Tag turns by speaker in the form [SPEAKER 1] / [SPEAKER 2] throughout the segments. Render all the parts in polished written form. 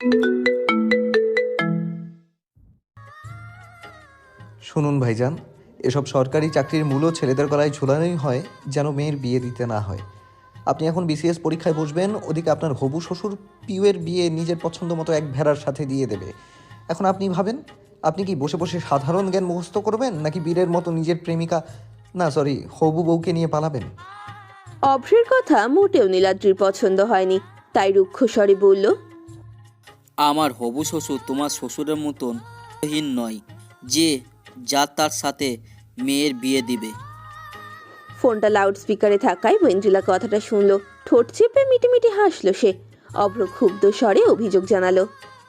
[SPEAKER 1] শুনুন ভাইজান, এসব সরকারি চাকরির মূলও ছেলেদের গলায় ঝুলানোই হয় যেন মেয়ের বিয়ে দিতে না হয়। আপনি এখন বিসিএস পরীক্ষায় বসবেন, ওদিকে আপনার হবু শ্বশুর পিউয়ের বিয়ে নিজের পছন্দ মতো এক ভেড়ার সাথে দিয়ে দেবে। এখন আপনি ভাবেন, আপনি কি বসে বসে সাধারণ জ্ঞান মুখস্থ করবেন, নাকি বীরের মতো নিজের প্রেমিকা, না সরি, হবু বউকে নিয়ে পালাবেন?
[SPEAKER 2] অভ্রের কথা মোটেও নীলাদ্রির পছন্দ হয়নি, তাই রুক্ষ স্বরে বলল,
[SPEAKER 3] আমার হবু শ্বশুর তোমার শ্বশুরের মতন হীন নয় যে যা তার সাথে মেয়ের বিয়ে দিবে।
[SPEAKER 2] ফোনটা লাউড স্পিকারে থাকায় ওয়েন্দ্রিলা কথাটা শুনলো। ঠোঁট চেপে মিটিমিটি হাসলো সে। অভ্র ক্ষুব্ধ স্বরে অভিযোগ জানালো,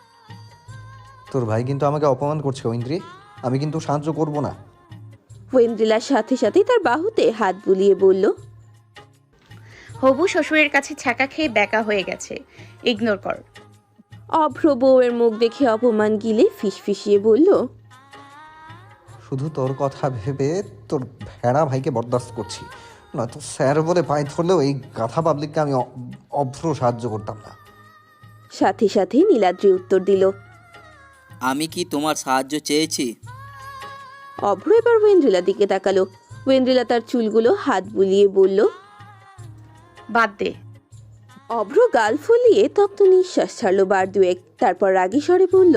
[SPEAKER 1] তোর ভাই কিন্তু আমাকে অপমান করছে ঐন্দ্রি, আমি কিন্তু সাহায্য করব না।
[SPEAKER 2] ওয়েন্দ্রিলার সাথে সাথেই তার বাহুতে হাত বুলিয়ে বলল,
[SPEAKER 4] হবু শ্বশুরের কাছে ছ্যাঁকা খেয়ে ব্যাকা হয়ে গেছে, ইগনোর কর।
[SPEAKER 2] অভ্র বউয়ের মুখ দেখে অপমান গিলে ফিসফিসিয়ে বলল,
[SPEAKER 1] শুধু তোর কথা ভেবে তোর ভেড়া ভাইকে বরদাস্ত করছি, নয়তো স্যার বলে পায়ে ধরলেও এই গাধা পাবলিককে আমি অভ্র সাহায্য করতাম না।
[SPEAKER 2] সাথে সাথে নীলাদ্রি উত্তর দিল।
[SPEAKER 3] আমি কি তোমার সাহায্য চেয়েছি?
[SPEAKER 2] অভ্র এবার ওয়েন্দ্রিলার দিকে তাকালো। ওয়েন্দ্রিলা তার চুলগুলো হাত বুলিয়ে বলল,
[SPEAKER 4] বাদ দে।
[SPEAKER 2] অভ্র গাল ফুলিয়ে তপ্ত নিঃশ্বাস ছাড়লো বার দুয়েক, তারপর রাগী স্বরে বলল,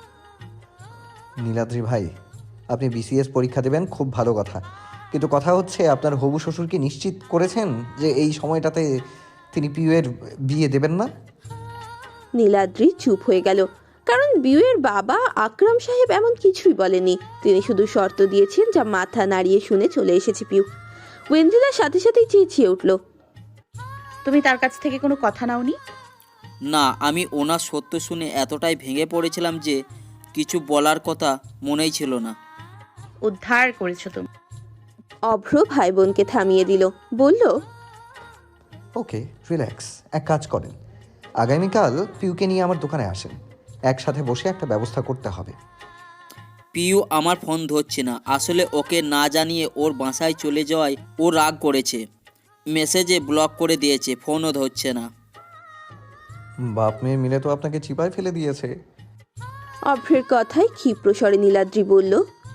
[SPEAKER 1] নীলাদ্রি ভাই, আপনি বিসিএস পরীক্ষা দেবেন, খুব ভালো কথা, কিন্তু কথা হচ্ছে আপনার হবু শ্বশুরকে নিশ্চিত করেছেন যে এই সময়টাতে তিনি পিউয়ের বিয়ে দেবেন না?
[SPEAKER 2] নীলাদ্রি চুপ হয়ে গেল, কারণ বিউয়ের বাবা আকরাম সাহেব এমন কিছুই বলেনি। তিনি শুধু শর্ত দিয়েছেন, যা মাথা নাড়িয়ে শুনে চলে এসেছে পিউ। ওয়েন্দ্রিলার সাথে সাথেই চেঁচিয়ে উঠল,
[SPEAKER 4] তুমি তার কাছ থেকে কোনো কথা নাওনি?
[SPEAKER 3] না, আমি ওনার সত্য শুনে এতটাই ভেঙে পড়েছিলাম যে কিছু বলার কথা মনেই ছিল না।
[SPEAKER 4] উদ্ধার করেছো তুমি।
[SPEAKER 2] অভ্র ভাই বোনকে থামিয়ে দিল, বলল,
[SPEAKER 1] ওকে, রিল্যাক্স, এক কাজ করেন, আগামীকাল পিউকে নিয়ে আমার দোকানে আসেন, একসাথে বসে একটা ব্যবস্থা করতে হবে।
[SPEAKER 3] পিউ আমার ফোন ধরছে না, আসলে ওকে না জানিয়ে ওর বাসায় চলে যাওয়ায় ও রাগ করেছে, মেসেজে ব্লক করে দিয়েছে, ফোনও ধরছে না।
[SPEAKER 1] বাপ মেয়ে মিলে তো আপনাকে চিপায় ফেলে দিয়েছে।
[SPEAKER 2] অভ্রের কথায় ক্ষিপ্র স্বরে নীলাদ্রি বলল,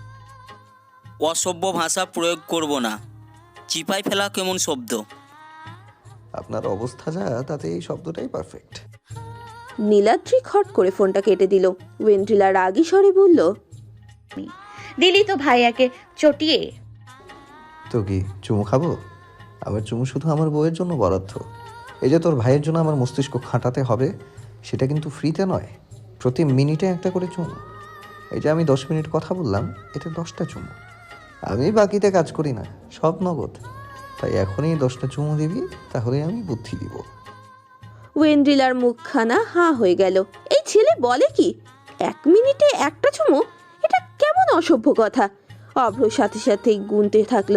[SPEAKER 3] অসভ্য ভাষা প্রয়োগ করব না, চিপাই ফেলা কেমন শব্দ।
[SPEAKER 1] আপনার অবস্থা যা, তাতে এই শব্দটাই পারফেক্ট।
[SPEAKER 2] নীলাদ্রি খট করে ফোনটা কেটে দিল। ওয়েন্দ্রিলা রাগী স্বরে বলল,
[SPEAKER 4] দিলি তো ভাইয়াকে চটিয়ে।
[SPEAKER 1] তো কি চুমু খাবো? আমার চুমু শুধু আমার বউয়ের জন্য বরাদ্দ। এই যে তোর ভাইয়ের জন্য আমার মস্তিষ্ক খাটাতে হবে, সেটা কিন্তু ফ্রিতে নয়, প্রতি মিনিটে একটা করে চুমু। এই যে আমি 10 মিনিট কথা বললাম, এতে 10টা চুমু। আমি বাকিতে কাজ করি না, সব নগদ। তাই এখনই 10টা চুমু দিবি, তাহলে আমি বুদ্ধি দিব।
[SPEAKER 2] ওয়েন্দ্রিলার মুখখানা হাঁ হয়ে গেল। এই ছেলে বলে কি, 1 মিনিটে একটা চুমু? এটা কেমন অসভ্য কথা। অভ্র সাথে সাথেই গুনতে থাকলো,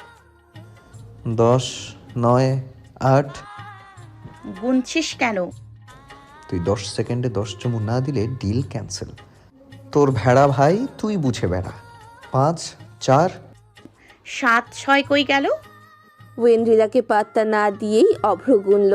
[SPEAKER 1] 10, 9, 8।
[SPEAKER 4] গুনছিস কেন?
[SPEAKER 1] তুই 10 সেকেন্ডে 10 চুমু না দিলে ডিল ক্যান্সেল। তোর ভেড়া ভাই, তুই বুঝে বেড়া। 5, 4।
[SPEAKER 4] 7, 6 কই গেল?
[SPEAKER 2] ওয়েন্দ্রিলাকে পাত্তা না দিয়েই অভ্র গুনল,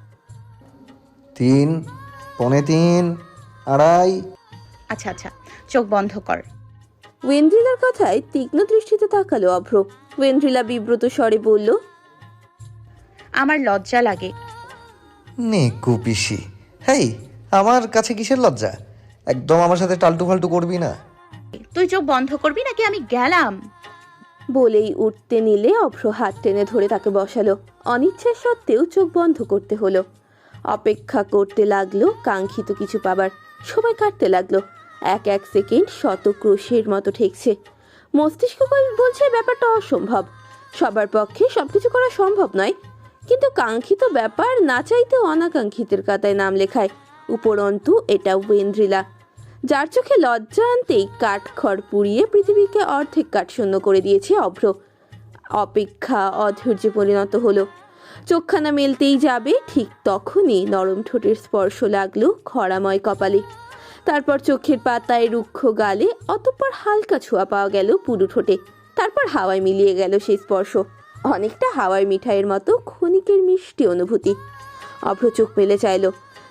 [SPEAKER 1] 3, 3.25, 2.5।
[SPEAKER 4] আচ্ছা আচ্ছা, চোখ বন্ধ কর।
[SPEAKER 2] ওয়েন্দ্রিলার কথায় তীক্ষ্ণ দৃষ্টিতে তাকালো অভ্র। ওয়েন্দ্রিলা বিব্রত স্বরে বলল,
[SPEAKER 4] আমার লজ্জা লাগে।
[SPEAKER 1] নে কুপিসি, হেই, আমার কাছে কিসের লজ্জা? একদম আমার সাথে টালটু ফালটু করবি না।
[SPEAKER 4] তুই চোখ বন্ধ করবি নাকি আমি গেলাম?
[SPEAKER 2] বলেই উঠতে নিলে অভ্র হাত টেনে ধরে তাকে বসালো। অনিচ্ছা সত্ত্বেও চোখ বন্ধ করতে হলো। অপেক্ষা করতে লাগলো কাঙ্ক্ষিত কিছু পাবার। সময় কাটতে লাগলো, এক এক সেকেন্ড শত ক্রোশের মতো ঠেকছে। মস্তিষ্ক বলছে ব্যাপারটা অসম্ভব, সবার পক্ষে সবকিছু করা সম্ভব নয়। কিন্তু কাঙ্ক্ষিত ব্যাপার না চাইতে অনাকাঙ্ক্ষিতের কাতায় নাম লেখায়। উপরন্তু এটা ওয়েন্দ্রিলা, যার চোখে লজ্জা আনতেই কাঠ খড় পুড়িয়ে পৃথিবীকে অর্ধেক কাঠশূন্য করে দিয়েছে অভ্র। অপেক্ষা অধৈর্যে পরিণত হলো। চোখখানা মেলতেই যাবে, ঠিক তখনই নরম ঠোঁটের স্পর্শ লাগলো খরাময় কপালে। তারপর চোখের পাতায় রুক্ষ গালে, অতঃপর হালকা ছোঁয়া পাওয়া গেল পুরু ঠোঁটে। তারপর হাওয়ায় মিলিয়ে গেল সেই স্পর্শ, অনেকটা হাওয়ার মিঠাইয়ের মতো ক্ষণিকের মিষ্টি অনুভূতি। অভ্র চোখ মেলে চাইল,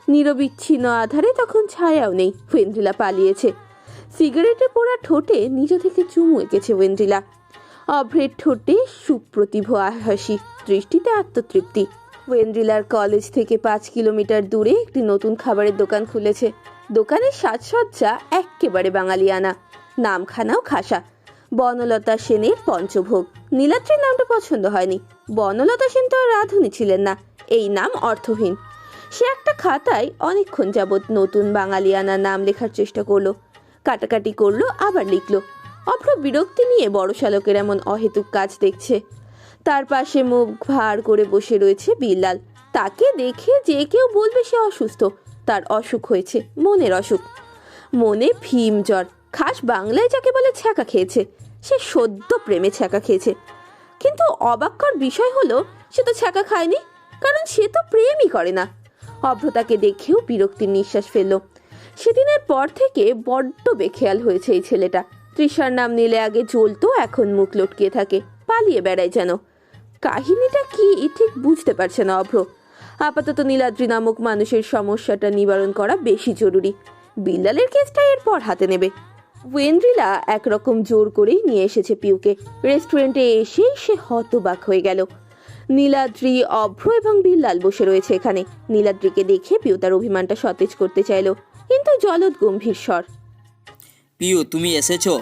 [SPEAKER 2] নিরবিচ্ছিন্ন আধারে তখন ছায়াও নেই। ওয়েন্দ্রিলা পালিয়েছে। সিগারেটে পোড়া ঠোঁটে নিজ থেকে চুমু এঁকেছে ওয়েন্দ্রিলা। অভ্রের ঠোঁটে সুপ্রতিভ হাসি, দৃষ্টিতে আত্মতৃপ্তি। ওয়েন্দ্রিলার কলেজ থেকে 5 কিলোমিটার দূরে একটি নতুন খাবারের দোকান খুলেছে। দোকানের সাজসজ্জা এক্কেবারে বাঙালিয়ানা, নামখানাও খাসা। বনলতা সেনের পঞ্চভোগ। নীলাদ্রির নামটা পছন্দ হয়নি। বনলতা সেন তো আর রাঁধুনি ছিলেন না, এই নাম অর্থহীন। সে একটা খাতায় অনেকক্ষণ যাবৎ নতুন বাঙালিয়ানা নাম লেখার চেষ্টা করলো, কাটাকাটি করলো, আবার লিখলো। অভ্র বিরক্তি নিয়ে বড় শালকের এমন অহেতুক কাজ দেখছে। তার পাশে মুখ ভার করে বসে রয়েছে বিল্লাল। তাকে দেখে যে কেউ বলবে সে অসুস্থ। তার অসুখ হয়েছে, মনের অসুখ। মনে ভীম জ্বর, খাস বাংলায় যাকে বলে ছ্যাঁকা খেয়েছে। সে সদ্য প্রেমে ছ্যাঁকা খেয়েছে। কিন্তু অবাক্যর বিষয় হলো সে তো ছ্যাঁকা খায়নি, কারণ সে তো প্রেমই করে না। অভ্র তাকে দেখেও বিরক্তির নিঃশ্বাস ফেলল। সেদিনের পর থেকে বড্ড বেখেয়াল হয়েছে এই ছেলেটা। তৃষার নাম নিলে আগে জ্বলতো, এখন মুখ লটকিয়ে থাকে, পালিয়ে বেড়ায় যেন। কাহিনীটা কি ঠিক বুঝতে পারছে না অভ্র। আপাতত নীলাদ্রি নামক মানুষের সমস্যাটা নিবারণ করা বেশি জরুরি। বিল্লালের কেসটা এরপর হাতে নেবে। ওয়েন্দ্রিলা একরকম জোর করেই নিয়ে এসেছে পিউকে। রেস্টুরেন্টে এসেই সে হতবাক হয়ে গেল। নীলাদ্রি, অভ্র এবং বিল্লাল বসে রয়েছে এখানে। নীলাদ্রিকে দেখে পিউ তার অভিমানটা সতেজ করতে চাইল, কিন্তু জলদ গম্ভীর স্বর।
[SPEAKER 3] পিউ, তুমি এসেছো?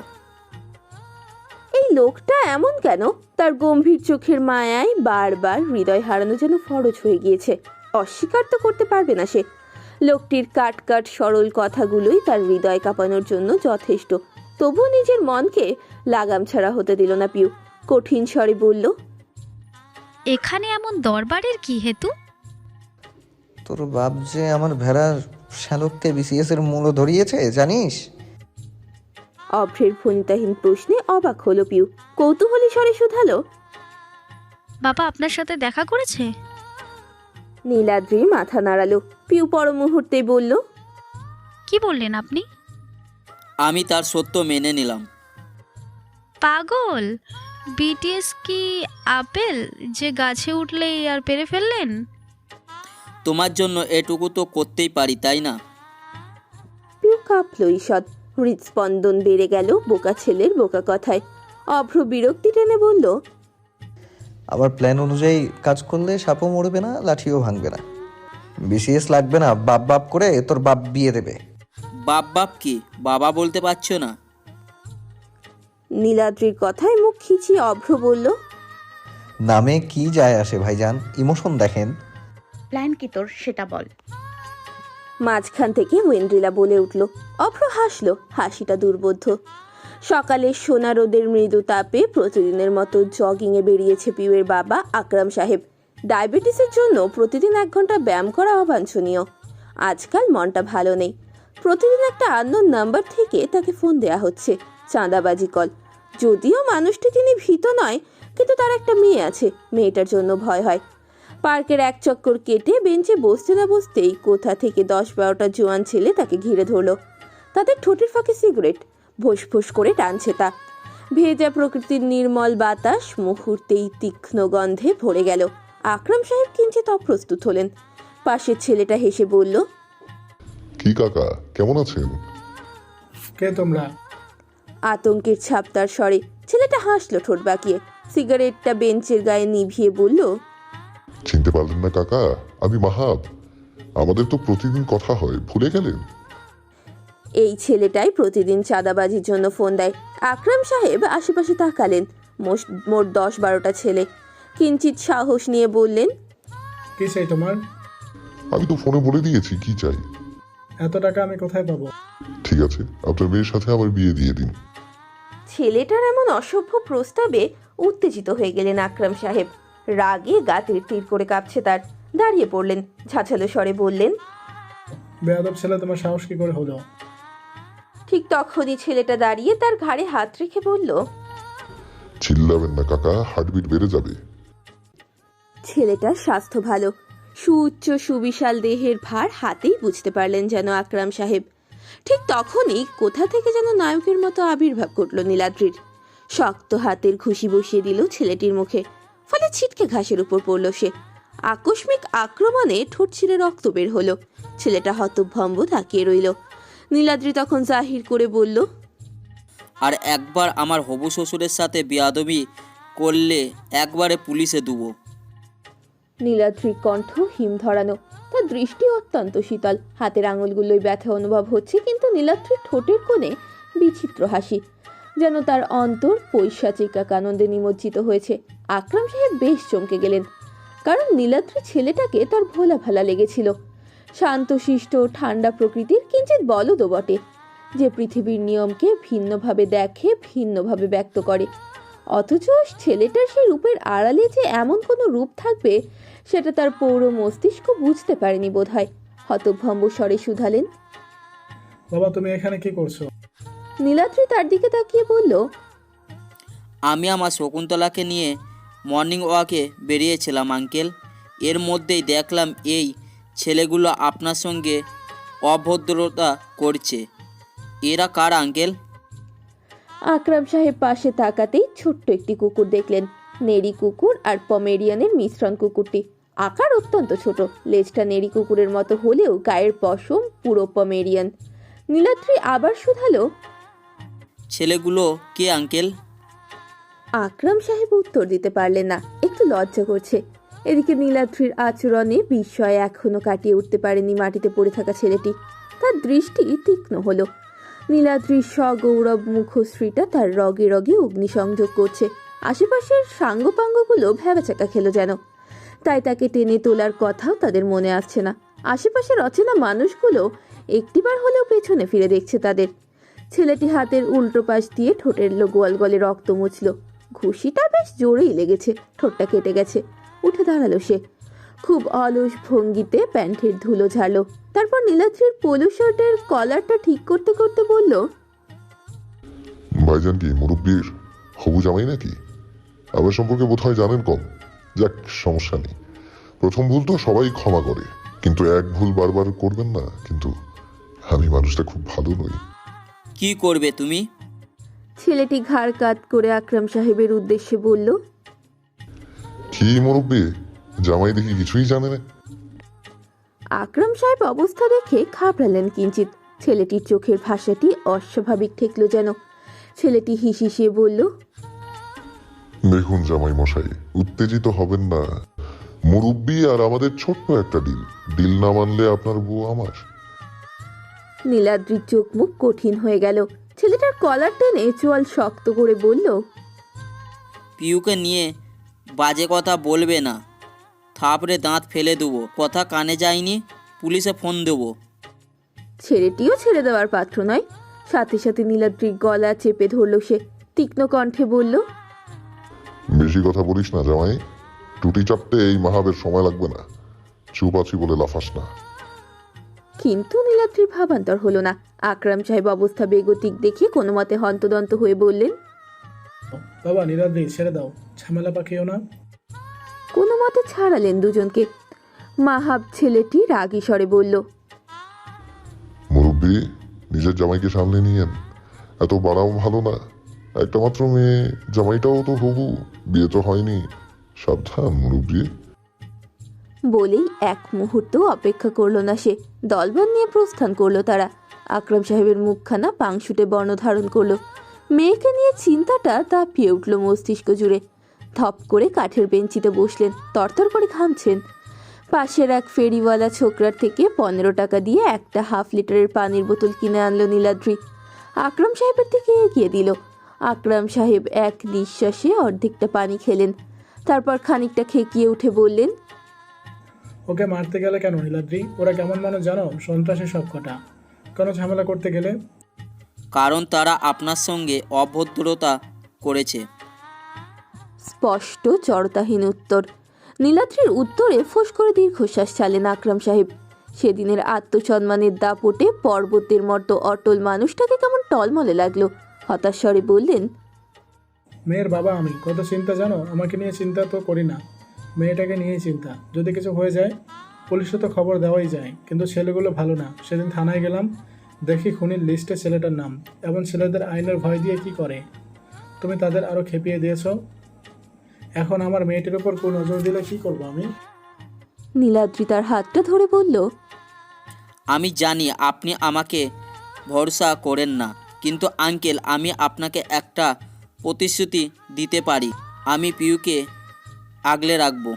[SPEAKER 2] এই লোকটা এমন কেন? তার গম্ভীর চোখের মায়ায় বারবার হৃদয় হারানো যেন ফরজ হয়ে গিয়েছে। অস্বীকার তো করতে পারবে না সে। লোকটির কাট কাট সরল কথাগুলোই তার হৃদয় কাঁপানোর জন্য যথেষ্ট। তবু নিজের মনকে লাগাম ছাড়া হতে দিল না পিউ। কঠিন স্বরে বলল,
[SPEAKER 5] এখানে এমন দরবারের কি হেতু?
[SPEAKER 1] তোর বাপ যে আমার ভেড়ার শ্যালককে বিসিএস এর মূল্য ধরিয়েছে জানিস?
[SPEAKER 2] অভ্রের ফণিতাহীন প্রশ্নে অবাক হলো পিউ। কৌতূহলী স্বরে শুধালো,
[SPEAKER 5] বাবা আপনার সাথে দেখা করেছে?
[SPEAKER 2] নীলাদ্রি মাথা নাড়ালো। পিউ পর মুহূর্তেই বলল,
[SPEAKER 5] কি বললেন আপনি?
[SPEAKER 3] আমি তার সত্য মেনে নিলাম।
[SPEAKER 5] পাগল! বিটিএস কি আপেল যে গাছে উঠলেই আর পেরে ফেললেন?
[SPEAKER 3] তোমার জন্য এটুকু তো করতেই পারি, তাই না?
[SPEAKER 2] পিউ কাঁপল ঈষৎ। হৃদস্পন্দন বেড়ে গেল বোকা ছেলের বোকা কথায়। অভ্র বিরক্তি টেনে বলল,
[SPEAKER 1] আবার প্ল্যান অনুযায়ী কাজ করলে সাপও মরবে না, লাঠিও ভাঙবে না। বিসিএস লাগবে না, বাপ বাপ করে তোর বাপ বিয়ে দেবে।
[SPEAKER 3] বাপ বাপ কি? বাবা বলতে পারছো না?
[SPEAKER 2] নীলাদ্রির কথায় মুখ খিচিয়ে অভ্র বলল,
[SPEAKER 1] নামে কি যায় আসে ভাইজান, ইমোশন দেখেন।
[SPEAKER 4] প্ল্যান কি তোর সেটা বল।
[SPEAKER 2] মাঝখান থেকে ওয়েন্দ্রিলা বলে উঠল। অভ্র হাসলো, হাসিটা দুর্বোধ্য। সকালে সোনা রোদের মৃদু তাপে প্রতিদিনের মতো জগিংয়ে বেরিয়েছে পিউয়ের বাবা আকরাম সাহেব। ডায়াবেটিসের জন্য প্রতিদিন 1 ঘন্টা ব্যায়াম করা অবাঞ্ছনীয়। আজকাল মনটা ভালো নেই। প্রতিদিন একটা আননোন নাম্বার থেকে তাকে ফোন দেয়া হচ্ছে, চাঁদাবাজি কল। যদিও মানুষটি তিনি ভীত নয়, কিন্তু তার একটা মেয়ে আছে, মেয়েটার জন্য ভয় হয়। পার্কের এক চক্কর কেটে বেঞ্চে বসতে না বসতেই কোথা থেকে 10-12টা জোয়ান ছেলে তাকে ঘিরে ধরল। তাদের ঠোঁটের ফাঁকে সিগারেট, ভোস ভোস করে টানছে তা। ভেজা প্রকৃতির নির্মল বাতাস মুহূর্তেই তীক্ষ্ণ গন্ধে ভরে গেল। আকরাম সাহেব কিঞ্চিত অপ্রস্তুত হলেন। পাশের ছেলেটা হেসে বলল,
[SPEAKER 6] কি কাকা, কেমন আছেন?
[SPEAKER 7] কে তোমরা?
[SPEAKER 2] আতঙ্কের ছাপ তার স্বরে। ছেলেটা হাসলো ঠোঁট বাঁকিয়ে। সিগারেটটা বেঞ্চের গায়ে নিভিয়ে বলল,
[SPEAKER 6] চিনতে পারলেন না কাকা? আমি মাহাব। আমাদের তো প্রতিদিন কথা হয়, ভুলে গেলেন?
[SPEAKER 2] এই ছেলেটাই প্রতিদিন চাঁদাবাজির জন্য ফোন দেয়। আকরাম সাহেব আশেপাশে তাকালেন। মোট 10-12টা ছেলে। কিঞ্চিত সাহস নিয়ে বললেন,
[SPEAKER 7] কি চাই তোমার?
[SPEAKER 6] আমি তো ফোনে বলে দিয়েছি কি চাই।
[SPEAKER 7] এত টাকা আমি কোথায় পাবো?
[SPEAKER 6] ঠিক আছে, আপনার মেয়ের সাথে আমার বিয়ে দিয়ে দিন।
[SPEAKER 2] ছেলেটার এমন অসভ্য প্রস্তাবে উত্তেজিত হয়ে গেলেন আকরাম সাহেব। রাগে গা তীর তীর করে কাঁপছে তার। দাঁড়িয়ে পড়লেন, ঝাঁঝালো স্বরে বললেন,
[SPEAKER 7] বেয়াদব ছেলে, তোমার সাহস কি করে হলো?
[SPEAKER 2] ঠিক তখনই ছেলেটা দাঁড়িয়ে তার ঘাড়ে হাত রেখে বলল,
[SPEAKER 6] চিল্লাবেন না কাকা, হার্টবিট বেড়ে যাবে।
[SPEAKER 2] ছেলেটার স্বাস্থ্য ভালো। সুউচ্চ সুবিশাল দেহের ভার হাতেই বুঝতে পারলেন যেন আকরাম সাহেব। ঠিক তখনই কোথা থেকে যেন নায়কের মতো আবির্ভাব ঘটল নীলাদ্রির। শক্ত হাতের ঘুষি বসিয়ে দিল ছেলেটির মুখে, ফলে ছিটকে ঘাসের উপর পড়ল সে। আকস্মিক আক্রমণে ঠোঁট ছিঁড়ে রক্ত বের হলো। ছেলেটা হতভম্ব তাকিয়ে রইল। নীলাদ্রি তখন জাহির করে বলল,
[SPEAKER 3] আর একবার আমার হবু শ্বশুরের সাথে বেয়াদবি করলে একবারে পুলিশে দেবো।
[SPEAKER 2] নীলাদ্রির কণ্ঠ হিম ধরানো, তার দৃষ্টি অত্যন্ত শীতল। হাতের আঙুলগুলোই ব্যথা অনুভব হচ্ছে, কিন্তু নীলাদ্রির ঠোঁটের কোণে বিচিত্র হাসি, যেন তার অন্তর পৈশাচিক এক আনন্দে নিমজ্জিত হয়েছে। আকরাম সাহেব বেশ চমকে গেলেন, কারণ নীলাদ্রি ছেলেটাকে তার ভোলা ভালা লেগেছিল। শান্তশিষ্ট ঠান্ডা প্রকৃতির, কিঞ্চিৎ বলদও বটে, যে পৃথিবীর নিয়মকে ভিন্নভাবে দেখে, ভিন্নভাবে ব্যক্ত করে। অথচ ছেলেটার সেই রূপের আড়ালে যে এমন কোনো রূপ থাকবে সেটা তার পৌর মস্তিষ্ক বুঝতে পারেনি বোধহয়। হতভম্ব স্বরে শুধালেন,
[SPEAKER 7] বাবা তুমি এখানে কি করছো?
[SPEAKER 2] নীলাদ্রি তার দিকে তাকিয়ে বলল,
[SPEAKER 3] আমি আমার শকুন্তলাকে নিয়ে মর্নিং ওয়াকে বেরিয়েছিলাম আঙ্কেল। এর মধ্যেই দেখলাম এই ছেলেগুলো আপনার সঙ্গে অভদ্রতা করছে। এরা কার আঙ্কেল?
[SPEAKER 2] আকরাম সাহেব পাশে তাকাতেই ছোট্ট একটি কুকুর দেখলেন। নেড়ি কুকুর আর পমেরিয়ানের মিশ্রণ কুকুরটি। আকার অত্যন্ত ছোট, লেজটা নেড়ি কুকুরের মতো হলেও গায়ের পশম পুরো পমেরিয়ান। নীলাদ্রি আবার শুধালো,
[SPEAKER 3] ছেলেগুলো কে আঙ্কেল?
[SPEAKER 2] আকরাম সাহেব উত্তর দিতে পারলেন না, একটু লজ্জা করছে। এদিকে নীলাদ্রির আচরণে বিস্ময় এখনো কাটিয়ে উঠতে পারেনি মাটিতে পড়ে থাকা ছেলেটি। তার দৃষ্টি তীক্ষ্ণ হলো। নীলাদ্রির সগৌরব মুখশ্রীটা তার রগে রগে অগ্নিসংযোগ করছে। আশেপাশের সাঙ্গপাঙ্গগুলো ভ্যাবাচাকা খেলো যেন, তাই তাকে টেনে তোলার কথাও তাদের মনে আসছে না। আশেপাশের অচেনা মানুষগুলো একটিবার হলেও পেছনে ফিরে দেখছে তাদের। ছেলেটি হাতের উল্টো পাশ দিয়ে ঠোঁটের গোয়াল গলে রক্ত মুছল। ঘুষিটা বেশ জোরেই লেগেছে, ঠোঁটটা কেটে গেছে। উঠে দাঁড়ালো সে, খুব অলস ভঙ্গিতে প্যান্টের ধুলো ঝাড়লো। তারপর নীলাদ্রির পোলো শার্টের কলারটা ঠিক করতে করতে বলল,
[SPEAKER 6] ভাইজান কি মুরব্বীর হবু জামাই নাকি? আমার সম্পর্কে বোধহয় জানেন কম। যাক, সমস্যা নেই। প্রথম ভুল তো সবাই ক্ষমা করে, কিন্তু এক ভুল বারবার করবেন না। কিন্তু আমি মানুষটা খুব ভালো নই।
[SPEAKER 3] কি করবে তুমি?
[SPEAKER 2] ছেলেটি ঘাড় কাত করে আকরাম সাহেবের উদ্দেশ্যে বলল,
[SPEAKER 6] কি মুরব্বী, জামাই দেখি কিছুই জানে না।
[SPEAKER 2] আকরাম সাহেব অবস্থা দেখে ঘাবড়ালেন কিঞ্চিত। ছেলেটির চোখের ভাষাটি অস্বাভাবিক ঠেকলো যেন। ছেলেটি হিসিয়ে বলল,
[SPEAKER 6] দেখুন জামাই মশাই, উত্তেজিত হবেন না। মুরব্বী আর আমাদের ছোট্ট একটা ডিল না মানলে আপনার বউ আমার।
[SPEAKER 2] নীলাদ্রির চোখ মুখ কঠিন হয়ে গেল। ছেলেটার কলার টেনে চোয়াল শক্ত করে বলল,
[SPEAKER 3] পিউকে নিয়ে বাজে কথা বলবে না, থাপড়ে দাঁত ফেলে দেবো। কথা কানে যায়নি, পুলিশে ফোন দেবো।
[SPEAKER 2] ছেলেটিও ছেড়ে দেওয়ার পাত্র নয়। সাথে সাথে নীলাদ্রির গলা চেপে ধরল সে। তীক্ষ্ণ কণ্ঠে বলল,
[SPEAKER 6] বেশি কথা বলিস না জামাই, টুটি চাপতে এই মাহাবের সময় লাগবে না। চুপ আছি বলে লাফাস না।
[SPEAKER 2] কিন্তু নীলাদ্রির ভাবান্তর হলো না। আকরাম সাহেব অবস্থা বেগতিক দেখে কোনো মতে হন্তদন্ত হয়ে বললেন,
[SPEAKER 7] বাবা নীলাদ্রি ছেড়ে দাও, ঝামেলা পাকিও না।
[SPEAKER 2] কোনো মতে ছাড়ালেন দুজনকে। মাহাব ছেলেটি রাগী স্বরে বলল,
[SPEAKER 6] মুরব্বী, নিজের জামাইকে সামনে নিয়েন, এত বাড়াও ভালো না। একটা মাত্র মেয়ে, জামাইটাও তো হবু, বিয়ে তো হয়নি। সাবধান মুরব্বী।
[SPEAKER 2] বলেই এক মুহূর্ত অপেক্ষা করলো না সে। দলবল নিয়ে প্রস্থান করলো তারা। আকরাম সাহেবের মুখখানা পাংশুটে বর্ণ ধারণ করলো। মেয়েকে নিয়ে চিন্তাটা দাপিয়ে উঠল মস্তিষ্ক জুড়ে। ধপ করে কাঠের বেঞ্চিতে বসলেন, তরতর করে ঘামছেন। পাশের এক ফেরিওয়ালা ছোকরার থেকে 15 টাকা দিয়ে একটা হাফ লিটারের পানির বোতল কিনে আনলো নীলাদ্রি। আকরাম সাহেবের দিকে এগিয়ে দিল। আকরাম সাহেব এক নিঃশ্বাসে অর্ধেকটা পানি খেলেন। তারপর খানিকটা খেকিয়ে উঠে বললেন,
[SPEAKER 7] ওকে মারতে গেলে কেন নীলাদ্রি? ওরা কেমন মানুষ জানো? সন্ত্রাসী সব কটা। কেন ঝামেলা করতে গেলে?
[SPEAKER 3] কারণ তারা আপনার সঙ্গে অভদ্রতা করেছে।
[SPEAKER 2] স্পষ্ট জড়তাহীন উত্তর। নীলাদ্রির উত্তরে ফোঁস করে দীর্ঘশ্বাস ছাড়লেন আকরাম সাহেব। সেদিনের আত্মসম্মানের দাপটে পর্বতের মতো অটল মানুষটাকে কেমন টলমলে লাগলো। হতাশ স্বরে বললেন,
[SPEAKER 7] মেয়ের বাবা আমি, কত চিন্তা জানো? আমাকে নিয়ে চিন্তা তো করি না, মেয়েটাকে নিয়েই চিন্তা। যদি কিছু হয়ে যায় পুলিশে তো খবর দেওয়াই যায়, কিন্তু ছেলেগুলো ভালো না। সেদিন থানায় গেলাম, দেখি খুনির লিস্টে ছেলেটার নাম। এমন ছেলেদের আইনের ভয় দিয়ে কি করে? তুমি তাদের আরও খেপিয়ে দিয়েছ। এখন আমার মেয়েটির ওপর কোন নজর দিলে কি করবো আমি?
[SPEAKER 2] নীলাদ্রি তার হাতটা ধরে বলল,
[SPEAKER 3] আমি জানি আপনি আমাকে ভরসা করেন না, কিন্তু আঙ্কেল আমি আপনাকে একটা প্রতিশ্রুতি দিতে পারি, আমি পিউকে আগলে রাখবো।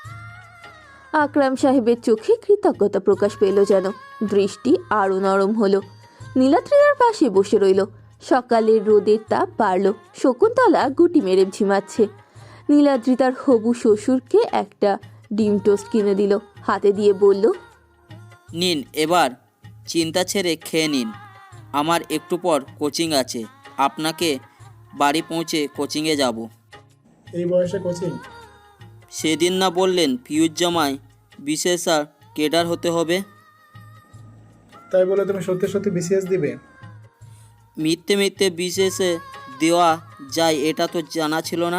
[SPEAKER 2] আকরাম সাহেবের চোখে কৃতজ্ঞতা প্রকাশ পেল যেন। দৃষ্টি আরও নরম হলো। নীলাদ্রির পাশে বসে রইল। সকালের রোদের তাপ বাড়ল। শকুন্তলা গুটি মেরে ঝিমাচ্ছে। নীলাদ্রি তার হবু শ্বশুরকে একটা ডিম টোস্ট কিনে দিল, হাতে দিয়ে বলল,
[SPEAKER 3] নিন, এবার চিন্তা ছেড়ে খেয়ে নিন। আমার একটু পর কোচিং আছে, আপনাকে বাড়ি পৌঁছে কোচিংয়ে যাব।
[SPEAKER 7] এই বয়সে কোচিং?
[SPEAKER 3] সেদিন না বললেন পিউর জামায় বিশেষ আর কেডার হতে হবে?
[SPEAKER 7] তাই বলে তুমি সত্যি সত্যি বিসিএস দিবে?
[SPEAKER 3] মিথ্যে মিথ্যে বিশেষে দেওয়া যায় এটা তো জানা ছিল না।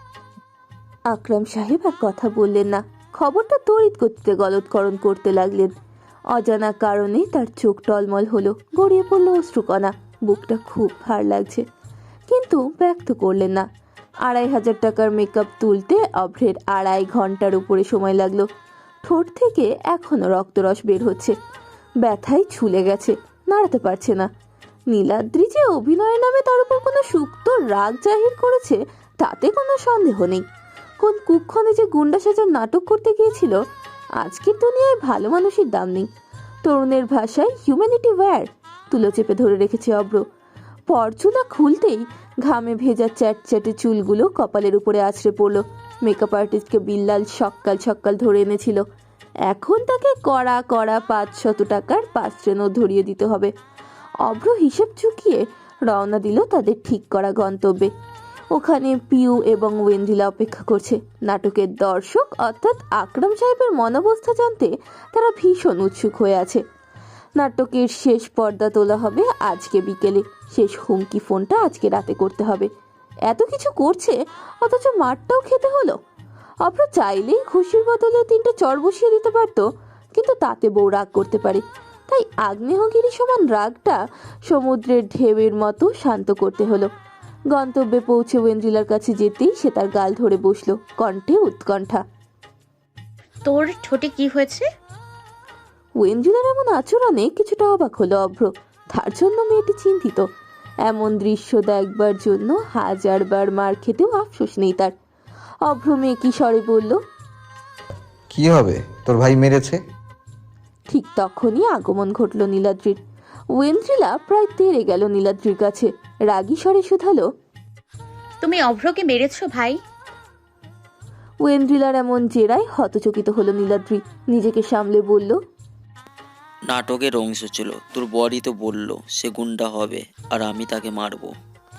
[SPEAKER 2] আকরাম সাহেব আর কথা বললেন না। খবরটা তড়িৎ গতিতে গলৎকরণ করতে লাগলেন। অজানা কারণে তার চোখ টলমল হলো, গড়িয়ে পড়ল অশ্রুকণা। বুকটা খুব ভার লাগছে, কিন্তু ব্যক্ত করলেন না। 2,500 টাকার মেকআপ তুলতে অভ্রের 2.5 ঘন্টার উপরে সময় লাগলো। ঠোঁট থেকে এখনো রক্তরস বের হচ্ছে, ব্যথায় ছুলে গেছে, নাড়াতে পারছে না। নীলাদ্রি যে অভিনয়ের নামে তার উপর কোনো সুপ্ত রাগ জাহির করেছে তাতে কোনো সন্দেহ নেই। কোন কুক্ষণে যে গুন্ডা সাজার নাটক করতে গিয়েছিল। আজকের দুনিয়ায় ভালো মানুষের দাম নেই। তরুণের ভাষায় হিউম্যানিটি ওয়্যার। তুলো চেপে ধরে রেখেছে অভ্র। পরচুলা খুলতেই ঘামে ভেজা চ্যাটচ্যাটে চুলগুলো কপালের উপরে আছড়ে পড়ল। মেকআপ আর্টিস্টকে বিল্লাল সক্কাল সক্কাল ধরে এনেছিল। এখন তাকে কড়া কড়া 500 টাকার 5 নোট ধরিয়ে দিতে হবে। অভ্র হিসেব চুকিয়ে রওনা দিল তাদের ঠিক করা গন্তব্যে। ওখানে পিউ এবং ওয়েন্ডিলা অপেক্ষা করছে। নাটকের দর্শক অর্থাৎ আকরাম সাহেবের মনোবস্থা জানতে তারা ভীষণ উৎসুক হয়ে আছে। নাটকের শেষ পর্দা তোলা হবে আজকে বিকেলে। শেষ হুমকি ফোনটা আজকে রাতে করতে হবে। এত কিছু করছে অথচ মারটাও খেতে হলো। অভ্র চাইলেই খুশির বদলে 3টে চর বসিয়ে দিতে পারতো, কিন্তু তাতে বউ রাগ করতে পারে। তাই আগ্নেয়গিরি সমান রাগটা সমুদ্রের ঢেউয়ের মতো শান্ত করতে হলো। গন্তব্যে পৌঁছে ওয়েন্ড্রিলার কাছে যেতেই সে তার গাল ধরে বসলো, কণ্ঠে উৎকণ্ঠা।
[SPEAKER 4] তোর ঠোঁটে কি হয়েছে?
[SPEAKER 2] ওয়েন্ড্রিলার এমন আচরণে কিছুটা অবাক হলো অভ্র। তার জন্য মেয়েটি চিন্তিত। এমন দৃশ্য দেখবার জন্য 1000 বার মার খেতেও আফসোস নেই তার। অভ্র মেয়েকি স্বরে বলল,
[SPEAKER 1] কি হবে, তোর ভাই মেরেছে।
[SPEAKER 2] ঠিক তখনই আগমন ঘটল নীলাদ্রির। ওয়েন্ড্রিলা প্রায় তেড়ে গেল নীলাদ্রির কাছে, রাগী স্বরে শুধালো,
[SPEAKER 4] তুমি অভ্রকে মেরেছো ভাই?
[SPEAKER 2] ওয়েন্ড্রিলার এমন জেরায় হতচকিত হলো নীলাদ্রি। নিজেকে সামলে বলল,
[SPEAKER 3] নাটকের অংশ ছিল, তোর বড়ি তো বললো সে গুন্ডা হবে আর আমি তাকে মারবো।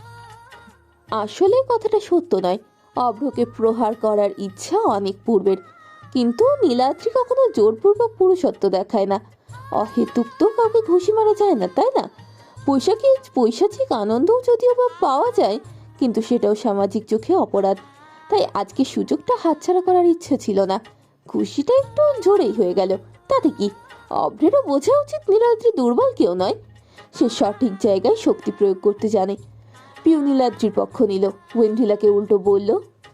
[SPEAKER 2] আসলে কথাটা সত্য নয়। অভ্রকে প্রহার করার ইচ্ছা অনেক পূর্বের, কিন্তু নীলাদ্রি কখনো জোরপূর্বক পুরুষত্ব দেখায় না। অহেতুক তো কাউকে ঘুষি মারা যায় না, তাই না? পৈশাচিক আনন্দও যদিও বা পাওয়া যায়, কিন্তু সেটাও সামাজিক চোখে অপরাধ। তাই আজকে সুযোগটা হাতছাড়া করার ইচ্ছে ছিল না। খুশিটা একটু জোরেই হয়ে গেল, তাতে কি? অভ্রেরও বোঝা উচিত নীলাদ্রি দুর্বল কেউ নয়। সে সঠিক জায়গায় শক্তি প্রয়োগ করতে জানে। পিউ নীলাদ্রির পক্ষ নিল, ওয়েন্ড্রিলাকে উল্টো বলল,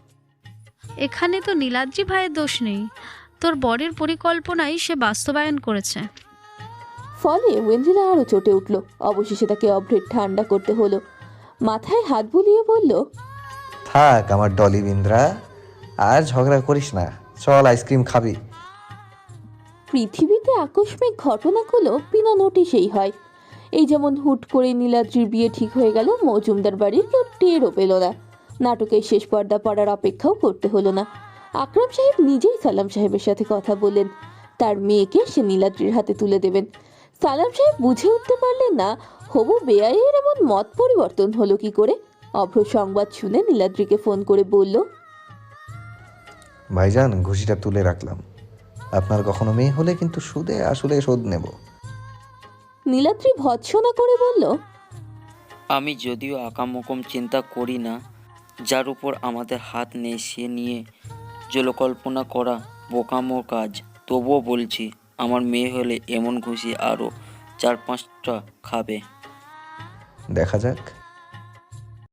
[SPEAKER 5] এখানে তো নীলাদ্রি ভাইয়ের দোষ নেই, তোর বরের পরিকল্পনাই সে বাস্তবায়ন করেছে।
[SPEAKER 2] ফলে ওয়েন্ড্রিলা আরও চটে উঠল। অবশেষে তাকে অভ্রের ঠান্ডা করতে হলো। মাথায় হাত বুলিয়ে বলল,
[SPEAKER 1] থাক আমার ডলি বিন্দ্রা, আর ঝগড়া করিস না, চল আইসক্রিম খাবি।
[SPEAKER 2] পৃথিবীতে আকস্মিক ঘটনাগুলো বিনা নোটিশেই হয়। এই যেমন হুট করে নীলাদ্রির বিয়ে ঠিক হয়ে গেল, মজুমদার বাড়ির কেউ টেরও পেল না। নাটকের শেষ পর্দা পড়ার অপেক্ষাও করতে হলো না। আকরাম সাহেব নিজেই সালাম সাহেবের সাথে কথা বললেন। তার মেয়েকে সে নীলাদ্রির হাতে তুলে দেবেন। সালাম সাহেব বুঝে উঠতে পারলেন না হবু বেআইয়ের এমন মত পরিবর্তন হলো কি করে। অভ্র সংবাদ শুনে নীলাদ্রিকে ফোন করে বলল,
[SPEAKER 1] ভাইজান ঘুষিটা তুলে রাখলাম, আপনার কখনো মেয়ে হলে কিন্তু সুদে আসলে শোধ নেব।
[SPEAKER 2] নীলাদ্রি ভৎসনা করে বলল,
[SPEAKER 3] আমি যদিও আকামকম চিন্তা করি না, যার উপর আমাদের হাত নেই সে নিয়ে জলকল্পনা করা বোকামোর কাজ, তবুও বলছি আমার মেয়ে হলে এমন ঘুষি আরও 4-5টা খাবে।
[SPEAKER 1] দেখা যাক।